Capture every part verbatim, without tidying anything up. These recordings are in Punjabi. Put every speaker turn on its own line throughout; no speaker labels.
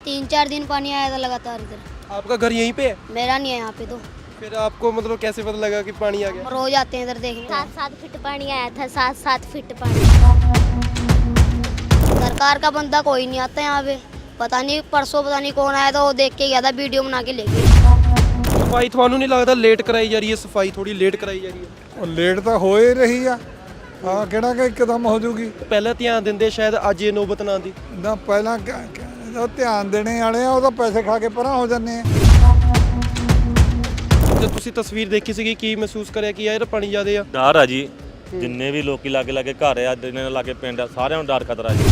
तीन चार दिन पानी आया था लगातार इधर।
आपका घर यहीं पे है?
मेरा नहीं है यहाँ पे तो।
फिर आपको मतलब कैसे पता लगा कि पानी आ गया?
रोज आते हैं इधर देखने।
सात सात फीट पानी आया था, सात सात फीट पानी।
सरकार का बंदा कोई नहीं आता यहाँ पे। पता नहीं परसों पता नहीं कौन आया था, वो देख के गया था, वीडियो बना के ले गया।
ਸਫਾਈ ਤੁਹਾਨੂੰ ਨਹੀਂ ਲੱਗਦਾ ਲੇਟ ਕਰਾਈ ਜਾ ਰਹੀ ਹੈ? ਸਫਾਈ ਥੋੜੀ ਲੇਟ ਕਰਾਈ ਜਾ ਰਹੀ ਹੈ।
ਉਹ ਲੇਟ ਤਾਂ ਹੋ ਹੀ ਰਹੀ ਆ ਆ ਕਿਹੜਾ ਕਿ ਇੱਕਦਮ ਹੋ ਜੂਗੀ।
ਪਹਿਲਾਂ ਧਿਆਨ ਦਿੰਦੇ ਸ਼ਾਇਦ ਅੱਜ ਇਹ ਨੌਬਤ ਨਾ ਆਉਂਦੀ।
ਨਾ ਪਹਿਲਾਂ ਕ- ਕ- ਉਹ ਧਿਆਨ ਦੇਣੇ ਵਾਲੇ ਆ ਉਹ ਤਾਂ ਪੈਸੇ ਖਾ ਕੇ ਪਰਾਂ ਹੋ ਜਾਂਦੇ ਆ।
ਤੇ ਤੁਸੀਂ ਤਸਵੀਰ ਦੇਖੀ ਸੀਗੀ, ਕੀ ਮਹਿਸੂਸ ਕਰਿਆ ਕਿ ਯਾਰ ਪਾਣੀ ਜ਼ਿਆਦੇ ਆ?
ਡਰ ਆ ਜੀ, ਜਿੰਨੇ ਵੀ ਲੋਕੀ ਲਾਗੇ ਲਾਗੇ ਘਰ ਆ, ਜਿੰਨੇ ਲਾਗੇ ਪਿੰਡ ਆ, ਸਾਰਿਆਂ ਨੂੰ ਡਰ ਖਤਰਾ ਜੀ।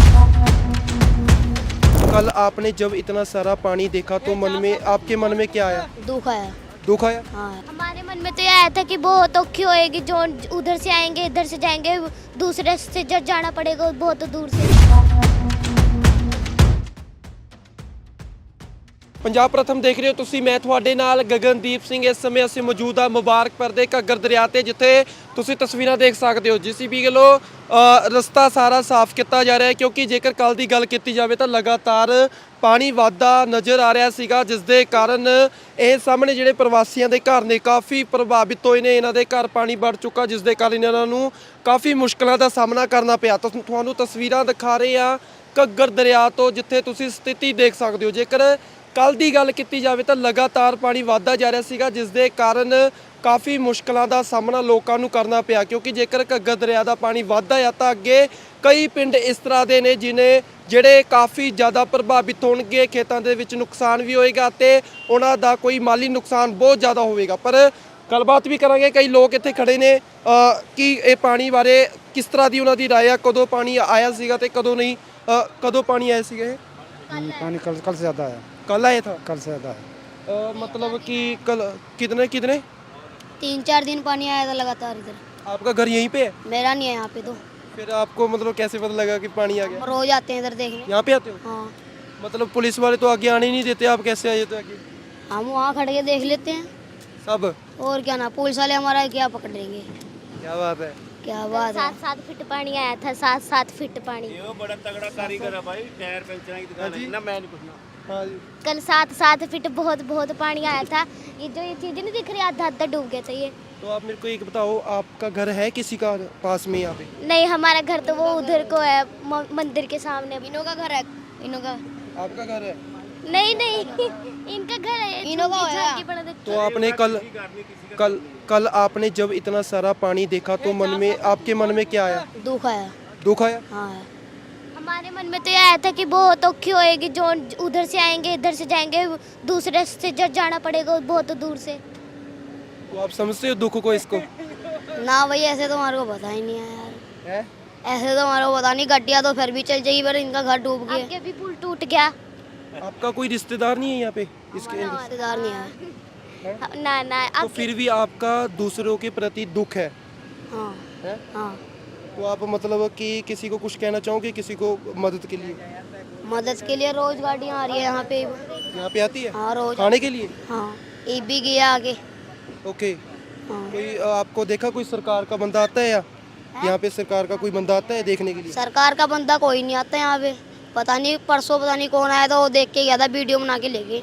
कल आपने जब इतना सारा पानी देखा तो मन में आपके मन में क्या आया?
दुख आया।
दुख आया?
हाँ।
हमारे मन में तो ये आया था कि बहुत औखी होएगी, जो उधर से आएंगे इधर से जाएंगे, दूसरे से जब जाना पड़ेगा बहुत दूर से।
ਪੰਜਾਬ ਪ੍ਰਥਮ ਦੇਖ ਰਹੇ ਹੋ ਤੁਸੀਂ, ਮੈਂ ਤੁਹਾਡੇ ਨਾਲ ਗਗਨਦੀਪ ਸਿੰਘ। ਇਸ ਸਮੇਂ ਅਸੀਂ ਮੌਜੂਦ ਹਾਂ ਮੁਬਾਰਕਪੁਰ ਦੇ ਘੱਗਰ ਦਰਿਆ ਤੇ, ਜਿੱਥੇ ਤੁਸੀਂ ਤਸਵੀਰਾਂ ਦੇਖ ਸਕਦੇ ਹੋ। ਜੀਸੀਬੀ ਵੱਲੋਂ ਰਸਤਾ ਸਾਰਾ ਸਾਫ਼ ਕੀਤਾ ਜਾ ਰਿਹਾ ਹੈ, ਕਿਉਂਕਿ ਜੇਕਰ ਕੱਲ ਦੀ ਗੱਲ ਕੀਤੀ ਜਾਵੇ ਤਾਂ ਲਗਾਤਾਰ ਪਾਣੀ ਵਾਧਾ ਨਜ਼ਰ ਆ ਰਿਹਾ ਸੀਗਾ, ਜਿਸ ਦੇ ਕਾਰਨ ਇਹ ਸਾਹਮਣੇ ਜਿਹੜੇ ਪ੍ਰਵਾਸੀਆਂ ਦੇ ਘਰ ਨੇ ਕਾਫੀ ਪ੍ਰਭਾਵਿਤ ਹੋਏ ਨੇ। ਇਹਨਾਂ ਦੇ ਘਰ ਪਾਣੀ ਵੜ ਚੁੱਕਾ, ਜਿਸ ਦੇ ਕਾਰਨ ਇਹਨਾਂ ਨੂੰ ਕਾਫੀ ਮੁਸ਼ਕਲਾਂ ਦਾ ਸਾਹਮਣਾ ਕਰਨਾ ਪਿਆ। ਤਾਂ ਤੁਹਾਨੂੰ ਤਸਵੀਰਾਂ ਦਿਖਾ ਰਹੇ ਹਾਂ ਘੱਗਰ ਦਰਿਆ ਤੋਂ, ਜਿੱਥੇ ਤੁਸੀਂ ਸਥਿਤੀ ਦੇਖ ਸਕਦੇ ਹੋ। ਜੇਕਰ ਕੱਲ ਦੀ ਗੱਲ ਕੀਤੀ ਜਾਵੇ ਤਾਂ ਲਗਾਤਾਰ ਪਾਣੀ ਵਧਦਾ ਜਾ ਰਿਹਾ ਸੀਗਾ, ਜਿਸ ਦੇ ਕਾਰਨ ਕਾਫੀ ਮੁਸ਼ਕਲਾਂ ਦਾ ਸਾਹਮਣਾ ਲੋਕਾਂ ਨੂੰ ਕਰਨਾ ਪਿਆ, ਕਿਉਂਕਿ ਜੇਕਰ ਘੱਗਰ ਦਰਿਆ ਦਾ ਪਾਣੀ ਵਧਦਾ ਆ ਤਾਂ ਅੱਗੇ ਕਈ ਪਿੰਡ ਇਸ ਤਰ੍ਹਾਂ ਦੇ ਨੇ ਜਿਨੇ ਜਿਹੜੇ ਕਾਫੀ ਜ਼ਿਆਦਾ ਪ੍ਰਭਾਵਿਤ ਹੋਣਗੇ, ਖੇਤਾਂ ਦੇ ਵਿੱਚ ਨੁਕਸਾਨ ਵੀ ਹੋਏਗਾ ਤੇ ਉਹਨਾਂ ਦਾ ਕੋਈ ਮਾਲੀ ਨੁਕਸਾਨ ਬਹੁਤ ਜ਼ਿਆਦਾ ਹੋਵੇਗਾ। ਪਰ ਗੱਲਬਾਤ ਵੀ ਕਰਾਂਗੇ, ਕਈ ਲੋਕ ਇੱਥੇ ਖੜੇ ਨੇ ਕਿ ਇਹ ਪਾਣੀ ਬਾਰੇ ਕਿਸ ਤਰ੍ਹਾਂ ਦੀ ਉਹਨਾਂ ਦੀ ਰਾਏ ਆ, ਕਦੋਂ ਪਾਣੀ ਆਇਆ ਸੀਗਾ ਤੇ ਕਦੋਂ ਨਹੀਂ, ਕਦੋਂ ਪਾਣੀ ਆਇਆ ਸੀਗਾ? ਇਹ
पानी कल कल से ज़्यादा है।
कल आया था?
कल से ज़्यादा है।
आ, मतलब कि कल कितने कितने
तीन चार दिन पानी आया था लगातार इधर।
आपका घर यहीं पे है?
मेरा नहीं है यहाँ पे तो।
फिर आपको मतलब कैसे पता लगा कि पानी आ गया?
रोज आते हैं इधर देखने।
यहाँ पे आते हो?
हाँ।
मतलब पुलिस वाले तो आगे आने ही नहीं देते, आप कैसे आए थे आगे?
हम वहाँ खड़े के देख लेते हैं,
सब?
और क्या ना, पुलिस वाले हमारा क्या पकड़ेंगे।
क्या बात है।
क्या बात है।
सात सात फीट पानी आया था, सात सात फीट पानी।
ਬੜਾ ਤਗੜਾ ਕਾਰੀਗਰ ਆ ਭਾਈ, ਟਾਇਰ ਪੈਂਚਰਾਂ ਦੀ ਦੁਕਾਨ ਹੈ ਨਾ, ਮੈਂ ਨਹੀਂ ਪੁੱਛਣਾ।
हाँ जी।
कल सात सात फीट बहुत बहुत पानी आया था। ये जो ये चीज़ नहीं दिख रही, आधा आधा डूब गया था ये।
तो आप मेरे को एक बताओ, आपका घर है किसी का पास में यहाँ पे?
नहीं, हमारा घर तो वो उधर को है, म- मंदिर के सामने।
इनों का घर है, इनों का।
आपका घर है?
नहीं नहीं, इनका घर है,
इनों का
झुग्गी
है।
झाड़ी बना देते।
तो आपने कल कल कल आपने जब इतना सारा पानी देखा तो मन में आपके मन में क्या आया?
दुख आया।
दुख आया?
हाँ।
हमारे मन में तो ये आया था कि बहुत औखी होएगी, जो उधर से आएंगे इधर से जाएंगे, दूसरे से जब जाना पड़ेगा बहुत दूर से।
तो आप समझते हो दुख को इसको?
ना भाई, ऐसे तो हमारे को पता ही नहीं है यार।
है?
ऐसे तो हमारे को पता नहीं, गड्डिया तो फिर भी चल जाएगी, पर इनका घर डूब गया।
आगे भी पुल टूट गया।
आपका कोई रिश्तेदार नहीं है यहाँ पे इसके?
रिश्तेदार नहीं है।
ना ना,
तो
अब
फिर भी आपका दूसरों के प्रति दुख है?
हाँ।
है?
हाँ।
तो आप मतलब कि किसी को कुछ कहना चाहोगे, किसी को मदद के लिए?
मदद के लिए रोज गाड़ियाँ आ रही है यहाँ पे।
यहाँ पे आती है
हाँ रोज।
खाने के लिए?
हाँ, ये भी गया आगे।
ओके।
हाँ।
कोई अ, आपको देखा कोई सरकार का बंदा आता है या यहाँ पे सरकार का कोई बंदा आता है देखने के लिए?
सरकार का बंदा कोई नहीं आता यहाँ पे। पता नहीं परसों पता नहीं कौन आया था, वो देख के गया था, वीडियो बना के ले गए।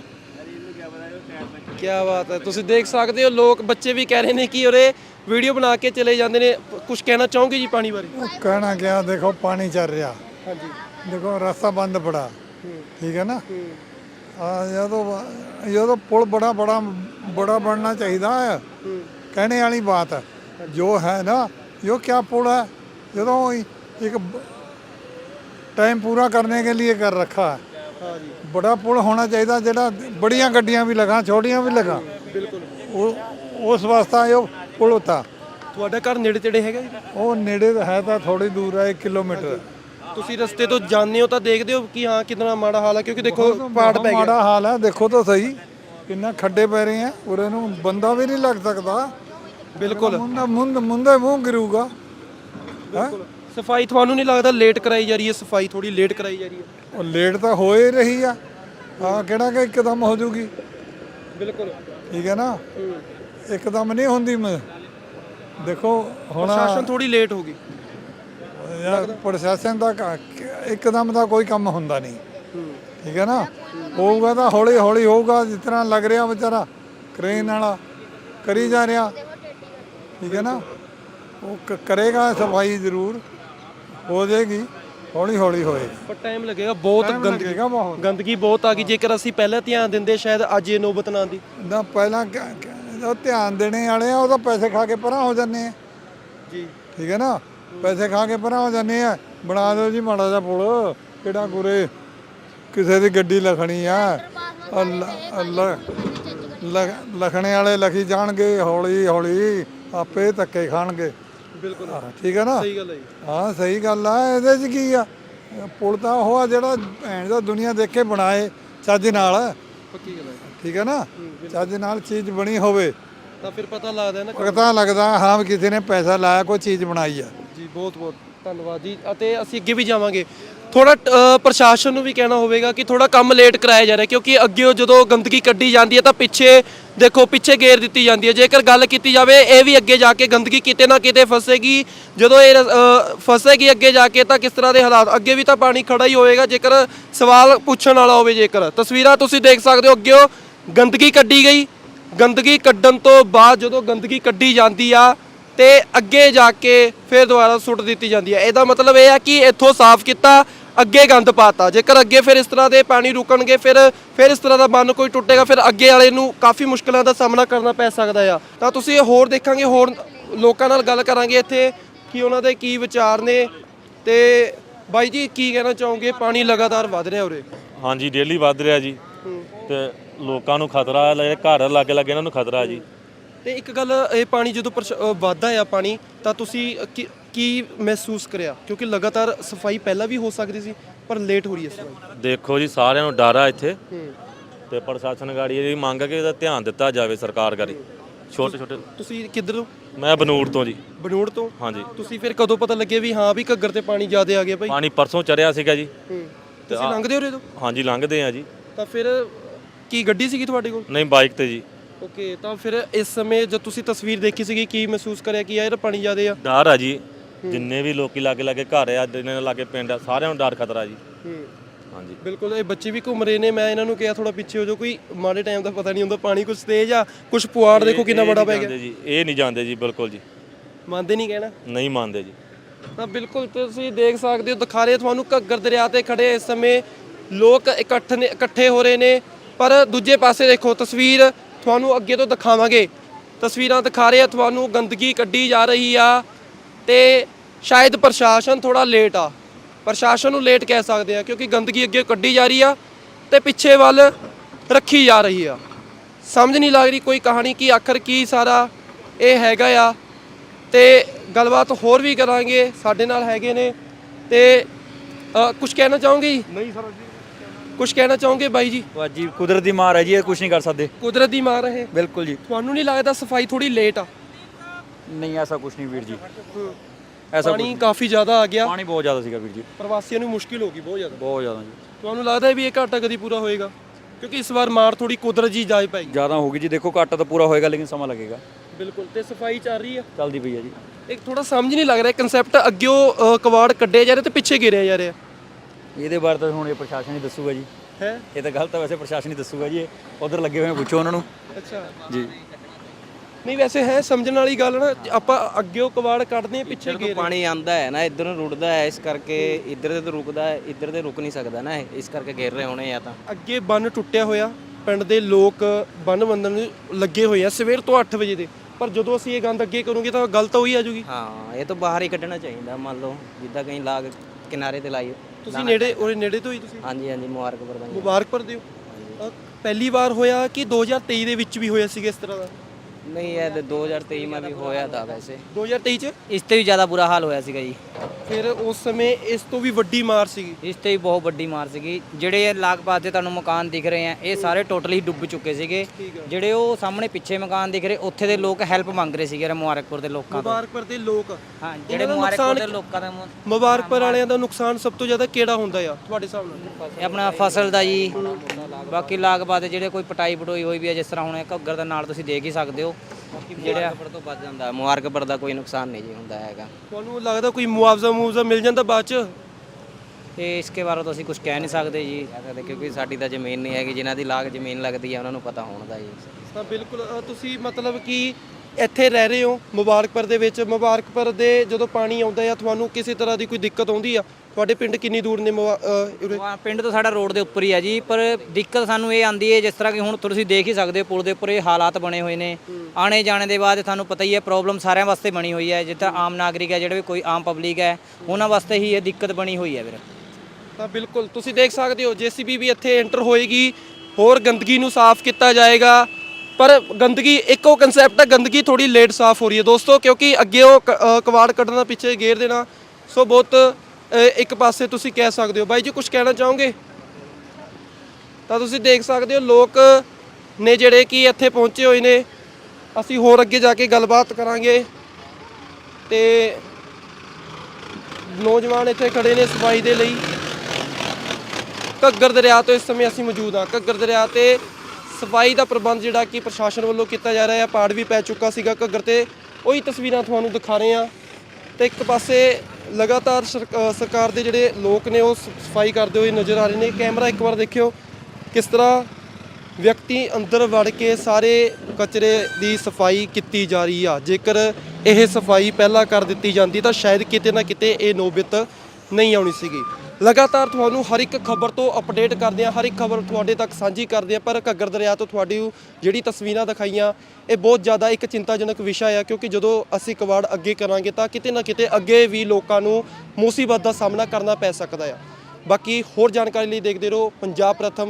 क्या बात है, ਤੁਸੀਂ ਦੇਖ ਸਕਦੇ ਹੋ ਲੋਕ, ਬੱਚੇ ਵੀ ਕਹਿ ਰਹੇ ਨੇ ਕਿ ਉਰੇ ਵੀਡੀਓ ਬਣਾ ਕੇ ਚਲੇ ਜਾਂਦੇ ਨੇ। ਕੁਝ ਕਹਿਣਾ ਚਾਹੋਗੇ ਜੀ ਪਾਣੀ ਬਾਰੇ?
ਉਹ ਕਹਿਣਾ क्या, देखो पानी चल रहा,
हाँ जी।
देखो रास्ता बंद पड़ा, ठीक है ना। आ, ये तो ये तो पुल बड़ा बड़ा बड़ा बनना चाहिए है, कहने वाली बात है। जो है ना, यो क्या पुल है, ये तो एक टाइम पूरा करने के लिए कर रखा है।
हाँ जी।
बड़ा पुल होना चाहिए, जेड़ा बड़ियां गड्डियां भी लगा, छोटियां भी लगा,
बिल्कुल।
वो उस वास्ता यो पुल होता।
ਤੁਹਾਡਾ ਘਰ ਨੇੜੇ ਤੇੜੇ ਹੈਗਾ ਜੀ?
ਉਹ ਨੇੜੇ ਤਾਂ ਹੈ, ਤਾਂ ਥੋੜੀ ਦੂਰ ਹੈ, ਇੱਕ ਕਿਲੋਮੀਟਰ।
ਤੁਸੀਂ ਰਸਤੇ ਤੋਂ ਜਾਂਦੇ ਹੋ ਤਾਂ ਦੇਖਦੇ ਹੋ ਕਿ ਹਾਂ ਕਿੰਨਾ ਮਾੜਾ ਹਾਲ ਹੈ, ਕਿਉਂਕਿ ਦੇਖੋ ਪਾੜ ਪੈ ਗਿਆ।
ਮਾੜਾ ਹਾਲ ਹੈ, ਦੇਖੋ ਤਾਂ ਸਹੀ ਕਿੰਨਾ ਖੱਡੇ ਪੈ ਰਹੇ ਆ, ਉਰੇ ਨੂੰ ਬੰਦਾ ਵੀ ਨਹੀਂ ਲੱਗ ਸਕਦਾ।
ਬਿਲਕੁਲ।
ਮੁੰਡਾ ਮੁੰਦ ਮੁੰਡੇ ਮੂੰਹ ਗਿਰੂਗਾ।
ਸਫਾਈ ਤੁਹਾਨੂੰ ਨਹੀਂ ਲੱਗਦਾ ਲੇਟ ਕਰਾਈ ਜਾ ਰਹੀ ਹੈ? ਸਫਾਈ ਥੋੜੀ ਲੇਟ ਕਰਾਈ ਜਾ ਰਹੀ ਹੈ।
ਉਹ ਲੇਟ ਤਾਂ ਹੋ ਹੀ ਰਹੀ ਆ ਆ ਕਿਹੜਾ ਕਿ ਇੱਕਦਮ ਹੋ ਜੂਗੀ।
ਬਿਲਕੁਲ।
ਠੀਕ ਹੈ ਨਾ, ਇੱਕਦਮ ਨਹੀਂ ਹੁੰਦੀ। ਮੈਂ ਦੇਖੋ ਹੁਣ
ਪ੍ਰਸ਼ਾਸਨ ਥੋੜੀ ਲੇਟ ਹੋ ਗਈ
ਯਾਰ, ਪ੍ਰਸ਼ਾਸਨ ਦਾ ਕ- ਇੱਕਦਮ ਦਾ ਕੋਈ ਕੰਮ ਹੁੰਦਾ ਨਹੀਂ, ਠੀਕ ਹੈ ਨਾ। ਹੋਊਗਾ ਤਾਂ ਹੌਲੀ ਹੌਲੀ ਹੋਊਗਾ, ਜਿਸ ਤਰ੍ਹਾਂ ਲੱਗ ਰਿਹਾ ਵਿਚਾਰਾ ਕ੍ਰੇਨ ਵਾਲਾ ਕਰੀ ਜਾ ਰਿਹਾ, ਠੀਕ ਹੈ ਨਾ। ਉਹ ਕ- ਕਰੇਗਾ ਸਫਾਈ, ਜ਼ਰੂਰ ਹੋ ਜਾਏਗੀ, ਹੌਲੀ ਹੌਲੀ ਹੋਏਗੀ।
ਪਰ ਟਾਈਮ ਲੱਗੇਗਾ, ਬਹੁਤ
Time
ਗੰਦਗੀ
ਲੱਗੇਗਾ ਬਹੁਤ।
ਗੰਦਗੀ ਬਹੁਤ ਆ ਗਈ। ਜੇਕਰ ਅਸੀਂ ਪਹਿਲਾਂ ਧਿਆਨ ਦਿੰਦੇ ਸ਼ਾਇਦ ਅੱਜ ਇਹ ਨੌਬਤ ਨਾ ਆਉਂਦੀ।
ਨਾ ਪਹਿਲਾਂ ਕ- ਕ- ਉਹ ਧਿਆਨ ਦੇਣੇ ਵਾਲੇ ਆ, ਉਹ ਤਾਂ ਪੈਸੇ ਖਾ ਕੇ ਪਰਾਂ ਹੋ ਜਾਂਦੇ ਆ,
ਜੀ
ਠੀਕ ਹੈ ਨਾ। ਪੈਸੇ ਖਾ ਕੇ ਪਰਾਂ ਹੋ ਜਾਂਦੇ ਆ, ਬਣਾ ਦਿਓ ਜੀ ਮਾੜਾ ਜਿਹਾ ਪੁਲ, ਕਿਹੜਾ ਗੁਰੇ ਕਿਸੇ ਦੀ ਗੱਡੀ ਲਖਣੀ ਆ, ਉਹ ਲ- ਲ- ਲ- ਲਖਣੇ ਵਾਲੇ ਲਖੀ ਜਾਣਗੇ, ਹੌਲੀ ਹੌਲੀ ਆਪੇ ਧੱਕੇ ਖਾਣਗੇ।
ਬਿਲਕੁਲ
ਹਾਂ, ਠੀਕ ਹੈ ਨਾ।
ਸਹੀ ਗੱਲ ਹੈ ਜੀ।
ਹਾਂ ਸਹੀ ਗੱਲ ਆ। ਇਹਦੇ 'ਚ ਕੀ ਆ, ਪੁਲ ਤਾਂ ਉਹ ਆ ਜਿਹੜਾ ਭੈਣ ਦਾ ਦੁਨੀਆ ਦੇਖ ਕੇ ਬਣਾਏ ਚੱਜ ਨਾਲ,
ਪੱਕੀ ਗੱਲ ਹੈ
ਠੀਕ ਹੈ ਨਾ। ਚੱਜ ਨਾਲ ਚੀਜ਼ ਬਣੀ ਹੋਵੇ
ਤਾਂ ਫਿਰ ਪਤਾ ਲੱਗਦਾ ਹੈ ਨਾ।
ਪਤਾ ਲੱਗਦਾ ਹਾਂ ਵੀ ਕਿਸੇ ਨੇ ਪੈਸਾ ਲਾਇਆ, ਕੋਈ ਚੀਜ਼ ਬਣਾਈ ਆ।
ਜੀ ਬਹੁਤ ਬਹੁਤ ਧੰਨਵਾਦ ਜੀ। ਅਤੇ ਅਸੀਂ ਅੱਗੇ ਵੀ ਜਾਵਾਂਗੇ। ਥੋੜਾ ਪ੍ਰਸ਼ਾਸਨ ਨੂੰ ਵੀ ਕਹਿਣਾ ਹੋਵੇਗਾ ਕਿ ਥੋੜਾ ਕੰਮ ਲੇਟ ਕਰਾਇਆ ਜਾ ਰਿਹਾ, ਕਿਉਂਕਿ ਅੱਗੇ ਜਦੋਂ ਗੰਦਗੀ ਕੱਢੀ ਜਾਂਦੀ ਹੈ ਤਾਂ ਪਿੱਛੇ ਦੇਖੋ ਪਿੱਛੇ ਗੇਰ ਦਿੱਤੀ ਜਾਂਦੀ ਹੈ। ਜੇਕਰ ਗੱਲ ਕੀਤੀ ਜਾਵੇ, ਇਹ ਵੀ ਅੱਗੇ ਜਾ ਕੇ ਗੰਦਗੀ ਕਿਤੇ ਨਾ ਕਿਤੇ ਫਸੇਗੀ। ਜਦੋਂ ਇਹ ਅ, ਫਸੇਗੀ ਅੱਗੇ ਜਾ ਕੇ ਤਾਂ ਕਿਸ ਤਰ੍ਹਾਂ ਦੇ ਹਾਲਾਤ, ਅੱਗੇ ਵੀ ਤਾਂ ਪਾਣੀ ਖੜਾ ਹੀ ਹੋਏਗਾ ਜੇਕਰ ਸਵਾਲ ਪੁੱਛਣ ਵਾਲਾ ਹੋਵੇ। ਜੇਕਰ ਤਸਵੀਰਾਂ ਤੁਸੀਂ ਦੇਖ ਸਕਦੇ ਹੋ, ਅੱਗੇ ਗੰਦਗੀ ਕੱਢੀ ਗਈ। ਗੰਦਗੀ ਕੱਢਣ ਤੋਂ ਬਾਅਦ ਜਦੋਂ ਗੰਦਗੀ ਕੱਢੀ ਜਾਂਦੀ ਆ ਤੇ ਅੱਗੇ ਜਾ ਕੇ ਫਿਰ ਦੁਬਾਰਾ ਸੁੱਟ ਦਿੱਤੀ ਜਾਂਦੀ ਹੈ। ਇਹਦਾ ਮਤਲਬ ਇਹ ਆ ਕਿ ਇੱਥੋਂ ਸਾਫ਼ ਕੀਤਾ, ਅੱਗੇ ਗੰਦ ਪਾਤਾ। ਜੇਕਰ ਅੱਗੇ ਫਿਰ ਇਸ ਤਰ੍ਹਾਂ ਦੇ ਪਾਣੀ ਰੁਕਣਗੇ, ਫਿਰ ਫਿਰ ਇਸ ਤਰ੍ਹਾਂ ਦਾ ਬੰਨ ਕੋਈ ਟੁੱਟੇਗਾ, ਫਿਰ ਅੱਗੇ ਵਾਲੇ ਨੂੰ ਕਾਫੀ ਮੁਸ਼ਕਲਾਂ ਦਾ ਸਾਹਮਣਾ ਕਰਨਾ ਪੈ ਸਕਦਾ ਆ। ਤਾਂ ਤੁਸੀਂ ਇਹ ਹੋਰ ਦੇਖਾਂਗੇ, ਹੋਰ ਲੋਕਾਂ ਨਾਲ ਗੱਲ ਕਰਾਂਗੇ ਇੱਥੇ ਕਿ ਉਹਨਾਂ ਦੇ ਕੀ ਵਿਚਾਰ ਨੇ। ਤੇ ਬਾਈ ਜੀ ਕੀ ਕਹਿਣਾ ਚਾਹੋਗੇ, ਪਾਣੀ ਲਗਾਤਾਰ ਵੱਧ ਰਿਹਾ ਉਰੇ?
ਹਾਂਜੀ ਡੇਲੀ ਵੱਧ ਰਿਹਾ ਜੀ, ਤੇ ਲੋਕਾਂ ਨੂੰ ਖਤਰਾ ਹੈ, ਜਿਹੜੇ ਘਰ ਲਾਗੇ ਲੱਗੇ ਇਹਨਾਂ ਨੂੰ ਖਤਰਾ ਜੀ।
ਤੇ ਇੱਕ ਗੱਲ, ਇਹ ਪਾਣੀ ਜਦੋਂ ਪਰਛ- ਅ, ਵੱਧਦਾ ਆ ਪਾਣੀ, ਤਾਂ ਤੁਸੀਂ ਕੀ- ਕੀ ਮਹਿਸੂਸ ਕਰਿਆ? ਕਿਉਂਕਿ ਲਗਾਤਾਰ ਸਫਾਈ ਪਹਿਲਾਂ ਵੀ ਹੋ ਸਕਦੀ ਸੀ ਪਰ ਲੇਟ ਹੋ ਰਹੀ ਹੈ ਸਫਾਈ।
ਦੇਖੋ ਜੀ ਸਾਰਿਆਂ ਨੂੰ ਡਰ ਆ ਇੱਥੇ, ਤੇ ਪ੍ਰਸ਼ਾਸਨ ਗਾੜੀ ਇਹ ਮੰਗ ਹੈ ਕਿ ਇਹਦਾ ਧਿਆਨ ਦਿੱਤਾ ਜਾਵੇ ਸਰਕਾਰ ਕਰੀ। ਛੋਟੇ ਛੋਟੇ
ਤੁਸੀਂ ਕਿੱਧਰੋਂ?
ਮੈਂ ਬਨੂੜ ਤੋਂ ਜੀ।
ਬਨੂੜ ਤੋਂ?
ਹਾਂਜੀ।
ਤੁਸੀਂ ਫਿਰ ਕਦੋਂ ਪਤਾ ਲੱਗੇ ਵੀ ਹਾਂ ਵੀ ਘੱਗਰ ਤੇ ਪਾਣੀ ਜ਼ਿਆਦਾ ਆ ਗਿਆ ਭਾਈ?
ਪਾਣੀ ਪਰਸੋਂ ਚੜਿਆ ਸੀਗਾ ਜੀ।
ਤੁਸੀਂ ਲੰਘਦੇ ਹੋ ਉਰੇ ਤੋਂ?
ਹਾਂਜੀ ਲੰਘਦੇ ਆ ਜੀ।
ਤਾਂ ਫਿਰ ਕੀ ਗੱਡੀ ਸੀਗੀ ਤੁਹਾਡੇ ਕੋਲ?
ਨਹੀਂ ਬਾਈਕ ਤੇ ਜੀ।
ਓਕੇ, ਤਾਂ ਫਿਰ ਇਸ ਸਮੇਂ ਜਦ ਤੁਸੀਂ ਤਸਵੀਰ ਦੇਖੀ ਸੀਗੀ ਕੀ ਮਹਿਸੂਸ ਕਰਿਆ ਕਿ ਯਾਰ ਪਾਣੀ ਜ਼ਿਆਦਾ ਆ?
ਡਰ ਆ ਜੀ, ਜਿੰਨੇ ਵੀ ਲੋਕੀ ਲਾਗੇ ਲਾਗੇ ਘਰ ਆ, ਜਿੰਨੇ ਲਾਗੇ ਪਿੰਡ ਆ, ਸਾਰਿਆਂ ਨੂੰ ਡਰ ਖਤਰਾ ਜੀ। ਹਾਂਜੀ
ਬਿਲਕੁਲ। ਇਹ ਬੱਚੇ ਵੀ ਘੁੰਮ ਰਹੇ ਨੇ, ਮੈਂ ਇਹਨਾਂ ਨੂੰ ਕਿਹਾ ਥੋੜਾ ਪਿੱਛੇ ਹੋ ਜਾਓ, ਕੋਈ ਮਾੜੇ ਟਾਈਮ ਦਾ ਪਤਾ ਨਹੀਂ ਹੁੰਦਾ, ਪਾਣੀ ਕੁਝ ਤੇਜ਼ ਆ, ਕੁਝ ਪੁਆੜ ਦੇਖੋ ਕਿੰਨਾ ਬੜਾ ਪੈ ਗਿਆ
ਜੀ। ਇਹ ਨਹੀਂ ਜਾਂਦੇ ਜੀ, ਬਿਲਕੁਲ ਜੀ
ਮੰਨਦੇ ਨਹੀਂ ਕਹਿਣਾ?
ਨਹੀਂ ਮੰਨਦੇ ਜੀ।
ਤਾਂ ਬਿਲਕੁਲ ਤੁਸੀਂ ਦੇਖ ਸਕਦੇ ਹੋ, ਦਿਖਾ ਰਹੇ ਤੁਹਾਨੂੰ ਘੱਗਰ ਦਰਿਆ ਤੇ ਖੜੇ ਇਸ ਸਮੇਂ ਲੋਕ ਇਕੱਠ ਨੇ ਇਕੱਠੇ ਹੋ ਰਹੇ ਨੇ। ਪਰ ਦੂਜੇ ਪਾਸੇ ਦੇਖੋ ਤਸਵੀਰ ਤੁਹਾਨੂੰ ਅੱਗੇ ਤੋਂ ਦਿਖਾਵਾਂਗੇ, ਤਸਵੀਰਾਂ ਦਿਖਾ ਰਹੇ ਆ ਤੁਹਾਨੂੰ, ਗੰਦਗੀ ਕੱਢੀ ਜਾ ਰਹੀ ਆ ਤੇ ਸ਼ਾਇਦ ਪ੍ਰਸ਼ਾਸਨ ਥੋੜਾ ਲੇਟ ਆ। ਪ੍ਰਸ਼ਾਸਨ ਨੂੰ ਲੇਟ ਕਹਿ ਸਕਦੇ ਆ ਕਿਉਂਕਿ ਗੰਦਗੀ ਅੱਗੇ ਕੱਢੀ ਜਾ ਰਹੀ ਆ ਤੇ ਪਿੱਛੇ ਵੱਲ ਰੱਖੀ ਜਾ ਰਹੀ ਆ। ਸਮਝ ਨਹੀਂ ਲੱਗ ਰਹੀ ਕੋਈ ਕਹਾਣੀ ਕੀ ਆਖਰ ਕੀ ਸਾਰਾ ਇਹ ਹੈਗਾ ਆ। ਤੇ ਗੱਲਬਾਤ ਹੋਰ ਵੀ ਕਰਾਂਗੇ, ਸਾਡੇ ਨਾਲ ਹੈਗੇ ਨੇ। ਤੇ ਕੁਝ ਕਹਿਣਾ ਚਾਹੋਗੇ ਜੀ?
ਨਹੀਂ ਸਰ ਜੀ,
ਕੁਝ ਕਹਿਣਾ ਚਾਹੋਗੇ ਬਾਈ ਜੀ?
ਬਸ ਜੀ ਕੁਦਰਤ ਦੀ ਮਾਰ ਹੈ ਜੀ, ਇਹ ਕੁਝ ਨਹੀਂ ਕਰ ਸਕਦੇ।
ਕੁਦਰਤ ਦੀ ਮਾਰ ਹੈ
ਬਿਲਕੁਲ ਜੀ।
ਤੁਹਾਨੂੰ ਨਹੀਂ ਲੱਗਦਾ ਸਫਾਈ ਥੋੜੀ ਲੇਟ ਆ?
ਨਹੀਂ ਐਸਾ ਕੁਝ ਨਹੀਂ ਵੀਰ ਜੀ, ਐਸਾ
ਪਾਣੀ ਕਾਫੀ ਜ਼ਿਆਦਾ ਆ ਗਿਆ,
ਪਾਣੀ ਬਹੁਤ ਜ਼ਿਆਦਾ ਸੀਗਾ ਵੀਰ ਜੀ,
ਪ੍ਰਵਾਸੀਆਂ ਨੂੰ ਮੁਸ਼ਕਿਲ ਹੋ ਗਈ ਬਹੁਤ ਜ਼ਿਆਦਾ।
ਬਹੁਤ ਜ਼ਿਆਦਾ ਜੀ।
ਤੁਹਾਨੂੰ ਲੱਗਦਾ ਹੈ ਵੀ ਇਹ ਘਾਟਾ ਕਦੀ ਪੂਰਾ ਹੋਏਗਾ? ਕਿਉਂਕਿ ਇਸ ਵਾਰ ਮਾਰ ਥੋੜੀ ਕੁਦਰਤ ਜੀ ਜਾਇ ਪਏਗੀ।
ਜ਼ਿਆਦਾ ਹੋਗੀ ਜੀ, ਦੇਖੋ ਘਾਟਾ ਤਾਂ ਪੂਰਾ ਹੋਏਗਾ ਲੇਕਿਨ ਸਮਾਂ ਲੱਗੇਗਾ।
ਬਿਲਕੁਲ। ਤੇ ਸਫਾਈ ਚੱਲ ਰਹੀ ਆ?
ਚੱਲਦੀ ਪਈ ਹੈ ਜੀ।
ਇੱਕ ਥੋੜਾ ਸਮਝ ਨਹੀਂ ਲੱਗ ਰਿਹਾ ਕਨਸੈਪਟ, ਅੱਗਿਓ ਕਵਾੜ ਕੱਢੇ ਜਾ ਰਹੇ ਤੇ ਪਿੱਛੇ ਗਿਰਿਆ ਜਾ ਰਿਹਾ
ਇਹਦੇ ਬਾਰੇ ਤਾਂ ਹੁਣ ਇਹ ਪ੍ਰਸ਼ਾਸਨ ਹੀ ਦੱਸੂਗਾ ਜੀ।
ਹੈ।
ਇਹ ਤਾਂ ਗਲਤ ਹੈ, ਵੈਸੇ ਪ੍ਰਸ਼ਾਸਨ ਹੀ ਦੱਸੂਗਾ ਜੀ। ਉਧਰ ਲੱਗੇ ਹੋਏ ਪੁੱਛੋ ਉਹਨਾਂ ਨੂੰ
ਅੱਛਾ
ਜੀ।
ਨਹੀਂ ਵੈਸੇ ਹੈ ਸਮਝਣ ਵਾਲੀ ਗੱਲ ਨਾ, ਆਪਾਂ ਅੱਗਿਓਂ ਕਵਾੜ ਕੱਢਦੇ ਆ ਪਿੱਛੇ
ਇੱਧਰ
ਗੇਰ
ਤੋਂ ਪਾਣੀ ਆਂਦਾ ਹੈ ਨਾ, ਇੱਧਰ ਨੂੰ ਰੁੜਦਾ ਹੈ, ਇਸ ਕਰਕੇ ਇੱਧਰ ਦੇ ਤਾਂ ਰੁਕਦਾ ਹੈ, ਇੱਧਰ ਦੇ ਰੁਕ ਨਹੀਂ ਸਕਦਾ ਨਾ ਇਹ, ਇਸ ਕਰਕੇ ਘੇਰ ਰਹੇ ਹੋਣੇ ਆ। ਤਾਂ
ਅੱਗੇ ਬੰਨ ਟੁੱਟਿਆ ਹੋਇਆ, ਪਿੰਡ ਦੇ ਲੋਕ ਬੰਨ ਬੰਨਣ ਨੂੰ ਲੱਗੇ ਹੋਏ ਆ ਸਵੇਰ ਤੋਂ ਅੱਠ ਵਜੇ ਦੇ। ਪਰ ਜਦੋਂ ਅਸੀਂ ਇਹ ਗੰਦ ਅੱਗੇ ਕਰੂਗੇ ਤਾਂ ਗੱਲ ਤਾਂ ਉਹੀ ਆ ਜੂਗੀ।
ਹਾਂ ਇਹ ਤਾਂ ਬਾਹਰ ਹੀ ਕੱਢਣਾ ਚਾਹੀਦਾ, ਮੰਨ ਲਓ ਜਿੱਦਾਂ ਕहीं ਲਾਗ ਕਿਨਾਰੇ ਤੇ ਲਾਈਏ।
ਤੁਸੀਂ ਨੇੜੇ ਉਹਦੇ ਨੇੜੇ ਤੋਂ ਹੀ ਤੁਸੀਂ
ਹਾਂਜੀ ਹਾਂਜੀ ਮੁਬਾਰਕਪੁਰ ਦਾ।
ਮੁਬਾਰਕਪੁਰ ਦਿਓ। ਅ, ਪਹਿਲੀ ਵਾਰ ਹੋਇਆ ਕਿ ਦੋ ਹਜ਼ਾਰ ਤੇਈ ਦੇ ਵਿੱਚ ਵੀ ਹੋਇਆ ਸੀਗਾ ਇਸ ਤਰ੍ਹਾਂ ਦਾ?
ਨਹੀਂ ਇਹ ਤਾਂ ਦੋ ਹਜ਼ਾਰ ਤੇਈ में ਵੀ ਹੋਇਆ ਤਾਂ ਵੈਸੇ,
ਦੋ ਹਜ਼ਾਰ ਤੇਈ ਚ
ਇਸ ਤੇ ਵੀ ਜ਼ਿਆਦਾ ਬੁਰਾ ਹਾਲ ਹੋਇਆ ਸੀਗਾ ਜੀ।
ਫਿਰ ਉਸ ਸਮੇਂ ਇਸ ਤੋਂ ਵੀ ਵੱਡੀ ਮਾਰ ਸੀਗੀ।
ਇਸ ਤੇ ਵੀ ਬਹੁਤ ਵੱਡੀ ਮਾਰ ਸੀਗੀ। ਜਿਹੜੇ ਇਹ ਲਾਗ ਪਾਸ ਦੇ ਤੁਹਾਨੂੰ ਮਕਾਨ ਦਿਖ ਰਹੇ ਆ, ਇਹ ਸਾਰੇ ਟੋਟਲੀ ਡੁੱਬ ਚੁੱਕੇ ਸੀਗੇ। ਜਿਹੜੇ ਉਹ ਸਾਹਮਣੇ ਪਿੱਛੇ ਮਕਾਨ ਦਿਖ ਰਹੇ, ਉੱਥੇ ਦੇ ਲੋਕ ਹੈਲਪ ਮੰਗ ਰਹੇ ਸੀਗੇ ਮੁਬਾਰਕਪੁਰ ਦੇ ਲੋਕਾਂ ਤੋਂ।
ਮੁਬਾਰਕਪੁਰ ਦੇ ਲੋਕ?
ਹਾਂ ਜਿਹੜੇ ਮੁਬਾਰਕਪੁਰ ਦੇ ਲੋਕਾਂ ਦਾ
ਮੁਬਾਰਕਪੁਰ ਵਾਲਿਆਂ ਦਾ ਨੁਕਸਾਨ ਸਭ ਤੋਂ ਜ਼ਿਆਦਾ ਕਿਹੜਾ ਹੁੰਦਾ ਆ ਤੁਹਾਡੇ ਹਿਸਾਬ ਨਾਲ?
ਇਹ ਆਪਣਾ ਫਸਲ ਦਾ ਜੀ, ਬਾਕੀ ਲਾਗ ਬਾਤ ਜਿਹੜੇ ਕੋਈ ਪਟਾਈ ਪਟੋਈ ਹੋਈ ਵੀ ਹੈ, ਜਿਸ ਤਰ੍ਹਾਂ ਹੁਣ ਇਹ ਘੱਗਰ ਦਾ ਨਾਲ ਤੁਸੀਂ ਦੇਖ ਹੀ ਸਕਦੇ ਹੋ। ਜਿਹੜੇ ਮੁਬਾਰਕਪੁਰ ਤੋਂ ਬਚ ਜਾਂਦਾ, ਮੁਬਾਰਕਪੁਰ ਦਾ ਕੋਈ ਨੁਕਸਾਨ ਨਹੀਂ ਜੀ ਹੁੰਦਾ ਹੈਗਾ।
ਤੁਹਾਨੂੰ ਲੱਗਦਾ ਕੋਈ ਮੁਆਵਜ਼ਾ ਮੁਆਵਜ਼ਾ ਮਿਲ ਜਾਂਦਾ ਬਾਅਦ ਚ?
ਤੇ ਇਸਕੇ ਬਾਰੇ ਤਾਂ ਅਸੀਂ ਕੁਝ ਕਹਿ ਨਹੀਂ ਸਕਦੇ ਜੀ।
ਕਹਿ ਸਕਦੇ ਕਿਉਂਕਿ ਸਾਡੀ ਤਾਂ ਜ਼ਮੀਨ ਨਹੀਂ ਹੈਗੀ, ਜਿਨ੍ਹਾਂ ਦੀ ਲਾਗ ਜ਼ਮੀਨ ਲੱਗਦੀ ਹੈ ਉਹਨਾਂ ਨੂੰ ਪਤਾ ਹੋਣ ਦਾ ਜੀ।
ਤਾਂ ਬਿਲਕੁਲ ਅ, ਤੁਸੀਂ ਮਤਲਬ ਕਿ ਇੱਥੇ ਰਹਿ ਰਹੇ ਹੋ ਮੁਬਾਰਕਪੁਰ ਦੇ ਵਿੱਚ। ਮੁਬਾਰਕਪੁਰ ਦੇ ਜਦੋਂ ਪਾਣੀ ਆਉਂਦਾ ਆ ਤੁਹਾਨੂੰ ਕਿਸੇ ਤਰ੍ਹਾਂ ਦੀ ਕੋਈ ਦਿੱਕਤ ਆਉਂਦੀ ਆ? ਤੁਹਾਡੇ ਪਿੰਡ ਕਿੰਨੀ ਦੂਰ ਨੇ ਮੁਬਾ- ਅ, ਉਰੇ?
ਵਾ- ਪਿੰਡ ਤੋਂ ਸਾਡਾ ਰੋਡ ਦੇ ਉੱਪਰ ਹੀ ਹੈ ਜੀ, ਪਰ ਦਿੱਕਤ ਸਾਨੂੰ ਇਹ ਆਂਦੀ ਹੈ ਜਿਸ ਤਰ੍ਹਾਂ ਕਿ ਹੁਣ ਤੁਸੀਂ ਦੇਖ ਹੀ ਸਕਦੇ ਹੋ ਪੁਲ ਦੇ ਉੱਪਰ ਇਹ ਹਾਲਾਤ ਬਣੇ ਹੋਏ ਨੇ। ਆਣੇ ਜਾਣੇ ਦੇ ਬਾਅਦ ਤੁਹਾਨੂੰ ਪਤਾ ਹੀ ਹੈ ਪ੍ਰੋਬਲਮ ਸਾਰਿਆਂ ਵਾਸਤੇ ਬਣੀ ਹੋਈ ਹੈ, ਜਿੱਦਾਂ ਆਮ ਨਾਗਰਿਕ ਹੈ, ਜਿਹੜੇ ਵੀ ਕੋਈ ਆਮ ਪਬਲਿਕ ਹੈ, ਉਹਨਾਂ ਵਾਸਤੇ ਹੀ ਇਹ ਦਿੱਕਤ ਬਣੀ ਹੋਈ ਹੈ ਵੀਰ।
ਤਾਂ ਬਿਲਕੁਲ ਤੁਸੀਂ ਦੇਖ ਸਕਦੇ ਹੋ ਜੇਸੀਬੀ ਵੀ ਇੱਥੇ ਐਂਟਰ ਹੋਏਗੀ, ਹੋਰ ਗੰਦਗੀ ਨੂੰ ਸਾਫ਼ ਕੀਤਾ ਜਾਏਗਾ। ਪਰ ਗੰਦਗੀ ਇੱਕੋ ਕਨਸੈਪਟ ਹੈ, ਗੰਦਗੀ ਥੋੜੀ ਲੇਟ ਸਾਫ਼ ਹੋ ਰਹੀ ਹੈ ਦੋਸਤੋ, ਕਿਉਂਕਿ ਅੱਗੇ ਉਹ ਕ- ਅ, ਕਵਾੜ ਕੱਢਣਾ, ਪਿੱਛੇ ਗੇਰ ਦੇਣਾ। ਸੋ ਬਹੁਤ ਅ, ਇੱਕ ਪਾਸੇ ਤੁਸੀਂ ਕਹਿ ਸਕਦੇ ਹੋ। ਬਾਈ ਜੀ ਕੁਝ ਕਹਿਣਾ ਚਾਹੋਗੇ? ਤਾਂ ਤੁਸੀਂ ਦੇਖ ਸਕਦੇ ਹੋ ਲੋਕ ਨੇ ਜਿਹੜੇ ਕਿ ਇੱਥੇ ਪਹੁੰਚੇ ਹੋਏ ਨੇ। ਅਸੀਂ ਹੋਰ ਅੱਗੇ ਜਾ ਕੇ ਗੱਲਬਾਤ ਕਰਾਂਗੇ ਤੇ ਨੌਜਵਾਨ ਇੱਥੇ ਖੜੇ ਨੇ ਸਫਾਈ ਦੇ ਲਈ। ਘੱਗਰ ਦਰਿਆ ਤੋਂ ਇਸ ਸਮੇਂ ਅਸੀਂ ਮੌਜੂਦ ਹਾਂ। ਘੱਗਰ ਦਰਿਆ ਤੇ ਸਫਾਈ ਦਾ ਪ੍ਰਬੰਧ ਜਿਹੜਾ ਕਿ ਪ੍ਰਸ਼ਾਸਨ ਵੱਲੋਂ ਕੀਤਾ ਜਾ ਰਿਹਾ ਹੈ। ਪਾੜ ਵੀ ਪੈ ਚੁੱਕਾ ਸੀਗਾ ਘੱਗਰ ਤੇ, ਉਹੀ ਤਸਵੀਰਾਂ ਤੁਹਾਨੂੰ ਦਿਖਾ ਰਹੇ ਹਾਂ। ਤੇ ਇੱਕ ਪਾਸੇ ਲਗਾਤਾਰ ਸਰਕ- ਅ, ਸਰਕਾਰ ਦੇ ਜਿਹੜੇ ਲੋਕ ਨੇ ਉਹ ਸ- ਸਫਾਈ ਕਰਦੇ ਹੋਏ ਨਜ਼ਰ ਆ ਰਹੇ ਨੇ। ਕੈਮਰਾ ਇੱਕ ਵਾਰ ਦੇਖਿਓ ਕਿਸ ਤਰ੍ਹਾਂ ਵਿਅਕਤੀ ਅੰਦਰ ਵੜ ਕੇ ਸਾਰੇ ਕਚਰੇ ਦੀ ਸਫਾਈ ਕੀਤੀ ਜਾ ਰਹੀ ਆ। ਜੇਕਰ ਇਹ ਸਫਾਈ ਪਹਿਲਾਂ ਕਰ ਦਿੱਤੀ ਜਾਂਦੀ ਤਾਂ ਸ਼ਾਇਦ ਕਿਤੇ ਨਾ ਕਿਤੇ ਇਹ ਨੌਬਤ ਨਹੀਂ ਆਉਣੀ ਸੀਗੀ। ਲਗਾਤਾਰ ਤੁਹਾਨੂੰ ਹਰ ਇੱਕ ਖਬਰ ਤੋਂ ਅਪਡੇਟ ਕਰਦੇ ਹਾਂ, ਹਰ ਇੱਕ ਖਬਰ ਤੁਹਾਡੇ ਤੱਕ ਸਾਂਝੀ ਕਰਦੇ ਹਾਂ। ਪਰ ਘੱਗਰ ਦਰਿਆ ਤੋਂ ਤੁਹਾਡੀ ਜਿਹੜੀ ਤਸਵੀਰਾਂ ਦਿਖਾਈਆਂ ਇਹ ਬਹੁਤ ਜ਼ਿਆਦਾ ਇੱਕ ਚਿੰਤਾਜਨਕ ਵਿਸ਼ਾ ਆ, ਕਿਉਂਕਿ ਜਦੋਂ ਅਸੀਂ ਕਵਾੜ ਅੱਗੇ ਕਰਾਂਗੇ ਤਾਂ ਕਿਤੇ ਨਾ ਕਿਤੇ ਅੱਗੇ ਵੀ ਲੋਕਾਂ ਨੂੰ ਮੁਸੀਬਤ ਦਾ ਸਾਹਮਣਾ ਕਰਨਾ ਪੈ ਸਕਦਾ ਆ। ਬਾਕੀ ਹੋਰ ਜਾਣਕਾਰੀ ਲਈ ਦੇਖਦੇ ਰਹੋ ਪੰਜਾਬ ਪ੍ਰਥਮ।